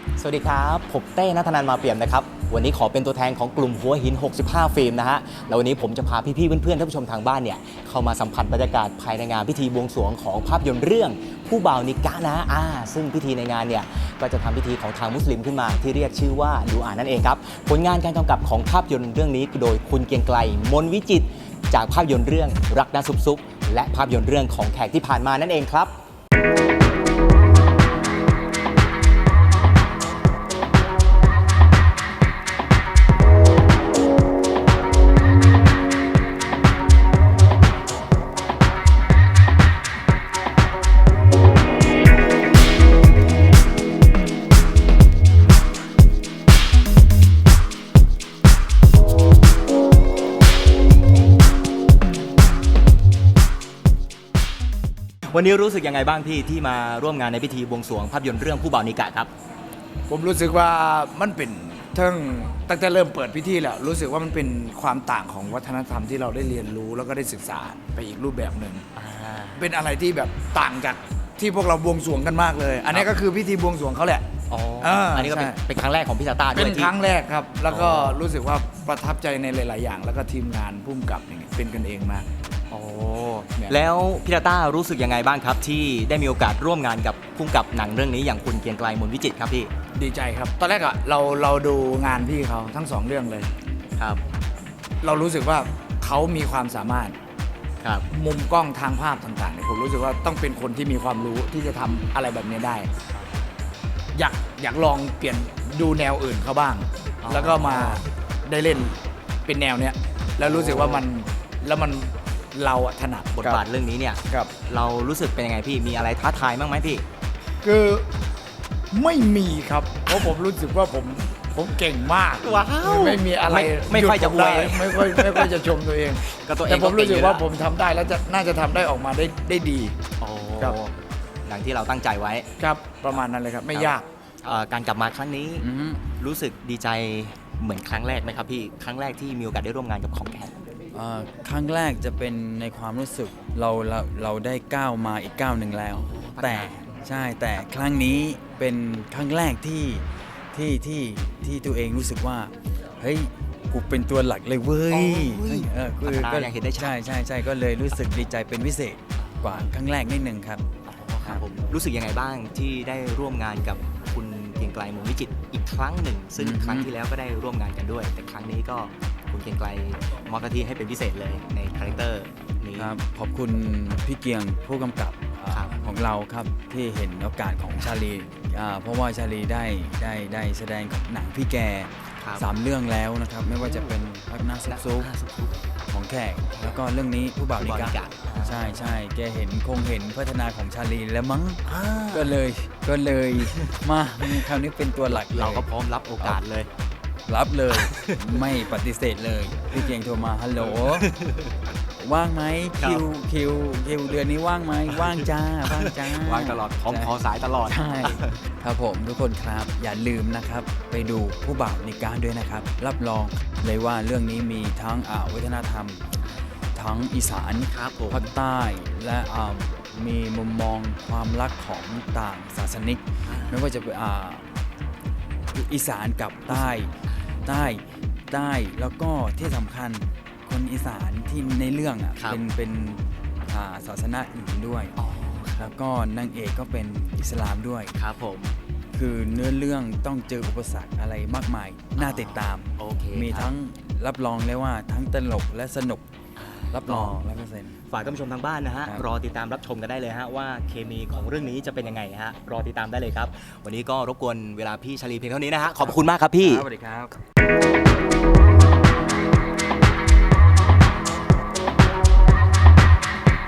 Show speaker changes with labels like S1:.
S1: สวัสดีครับผมเต้ณัฐนันท์มาเปี่ยมนะครับวันนี้ขอเป็นตัวแทนของกลุ่มหัวหิน65ฟิล์มนะฮะแล้ววันนี้ผมจะพาพี่ๆเพื่อนๆท่านผู้ชมทางบ้านเนี่ยเข้ามาสัมผัสบรรยากาศภายในงานพิธีบวงสรวงของภาพยนตร์เรื่องผู้บ่าวนิกะนะซึ่งพิธีในงานเนี่ยก็จะทำพิธีของทางมุสลิมขึ้นมาที่เรียกชื่อว่าดูอานั่นเองครับผลงานการกำกับของภาพยนตร์เรื่องนี้โดยคุณเกรียงไกรมนวิจิตรจากภาพยนตร์เรื่องรักนะซุบๆและภาพยนตร์เรื่องของแขกที่ผ่านมานั่นเองครับวันนี้รู้สึกยังไงบ้างพี่ที่มาร่วมงานในพิธีบวงสรวงภาพยนตร์เรื่องผู้บ่าวนิกะครับ
S2: ผมรู้สึกว่ามันเป็นตั้งแต่เริ่มเปิดพิธีแล้วรู้สึกว่ามันเป็นความต่างของวัฒนธรรมที่เราได้เรียนรู้แล้วก็ได้ศึกษาไปอีกรูปแบบหนึ่งเป็นอะไรที่แบบต่างจากที่พวกเราบวงสรวงกันมากเลย อันนี้ก็คือพิธีบวงสรวงเขาแหละ
S1: อันนี้ก็เป็นครั้งแรกของพี่ตาต้าด้วย
S2: เป็นครั้งแรกครับแล้วก็รู้สึกว่าประทับใจในหลาย ๆ อย่าง แล้วก็ทีมงานพุ่มกับเป็นกันเองมาก
S1: แล้วพี่ตาต้ารู้สึกยังไงบ้างครับที่ได้มีโอกาสร่วมงานกับพุ่มกับหนังเรื่องนี้อย่างคุณเกรียงไกรมนวิจิตรครับพี่
S2: ดีใจครับตอนแรกอะเราดูงานพี่เขาทั้ง2เรื่องเลย
S1: ครับ
S2: เรารู้สึกว่าเขามีความสามารถ
S1: ครับ
S2: มุมกล้องทางภาพต่างๆเนี่ยผมรู้สึกว่าต้องเป็นคนที่มีความรู้ที่จะทำอะไรแบบนี้ได้อยากลองเปลี่ยนดูแนวอื่นเขาบ้างแล้วก็มาได้เล่นเป็นแนวเนี้ยแล้วรู้สึกว่ามันเราถนัด
S1: บทบาทเรื่องนี้เนี่ยเรารู้สึกเป็นยังไงพี่มีอะไรท้าทายบ้างไหมพี่
S2: คือไม่มีครับเพราะผมรู้สึกว่าผมเก่งมาก
S1: ว้าว
S2: ไม่มีอะไร
S1: ไม่ค่อยจะอวย
S2: ไม่ค่อยจะชมตัวเองแต่ผมรู้สึกว่าผมทำได้แล้วน่าจะทำได้ออกมาได้ดี
S1: ครับอย่างที่เราตั้งใจไว้
S2: ครับประมาณนั้นเลยครับไม่ยาก
S1: การกลับมาครั้งนี้รู้สึกดีใจเหมือนครั้งแรกไหมครับพี่ครั้งแรกที่มีโอกาสได้ร่วมงานกับของแขก
S3: ครั้งแรกจะเป็นในความรู้สึกเราได้ก้าวมาอีกก้าวหนึ่งแล้วแต่ใช่แต่ครั้งนี้เป็นครั้งแรกที่ตัวเองรู้สึกว่าเฮ้ยกูเป็นตัวหลักเลยเว้ย
S1: ก็เห็นได้
S3: ใช่ก็เลยรู้สึกดีใจเป็นพิเศษกว่าครั้งแรกนิดนึงครับ
S1: ผมรู้สึกยังไงบ้างที่ได้ร่วมงานกับคุณเกรียงไกรมนวิจิตรอีกครั้งหนึ่งซึ่งครั้งที่แล้วก็ได้ร่วมงานกันด้วยแต่ครั้งนี้ก็คุณเกรียงไกรมอบหน้าที่ให้เป็นพิเศษเลยในคาแรคเตอร์นี้
S3: ครับขอบคุณพี่เกียงผู้กำกับของเราครับที่เห็นโอกาสของชาลีเพราะว่าชาลีได้แสดงกับหนังพี่แก3 เรื่องแล้วนะครับไม่ว่าจะเป็นพักหน้าซุกของแขกแล้วก็เรื่องนี้ผู้บ่าวนิกะใช่แกคงเห็นพัฒนาของชาลีแล้วมั้งก็เลยมาคราวนี้เป็นตัวหลัก
S1: เราก็พร้อมรับโอกาสเลย
S3: รับเลยไม่ปฏิเสธเลยพี่เกียงโทรมาฮัลโหลว่างไหมคิวเดือนนี้ว่างไหมว่างจ้า
S1: ว่างตลอดพร้อมขอสายตลอด
S3: ใช่ครับผมทุกคนครับอย่าลืมนะครับไปดูผู้บ่าวนิกะด้วยนะครับรับรองเลยว่าเรื่องนี้มีทั้งวัฒนธรรมทั้งอีสานภาคใต้และมีมุมมองความรักของต่างศาสนิกไม่ว่าจะเป็นอีสานกับใต้แล้วก็ที่สำคัญคนอีสานที่ในเรื่องเป็นศาสนาอื่นด้วยแล้วก็นางเอกก็เป็นอิสลามด้วย
S1: ครับผม
S3: คือเนื้อเรื่องต้องเจออุปสรรคอะไรมากมายน่าติดตามมีทั้งรับรองเลยว่าทั้งตลกและสนุกรับรอง
S1: 100%ฝากท่านผู้ชมทางบ้านนะฮะรอติดตามรับชมกันได้เลยฮะว่าเคมีของเรื่องนี้จะเป็นยังไงฮะรอติดตามได้เลยครับวันนี้ก็รบกวนเวลาพี่ชาลีเพียงเท่านี้นะฮะขอบคุณมากครับพี่
S3: สวัสดีครับ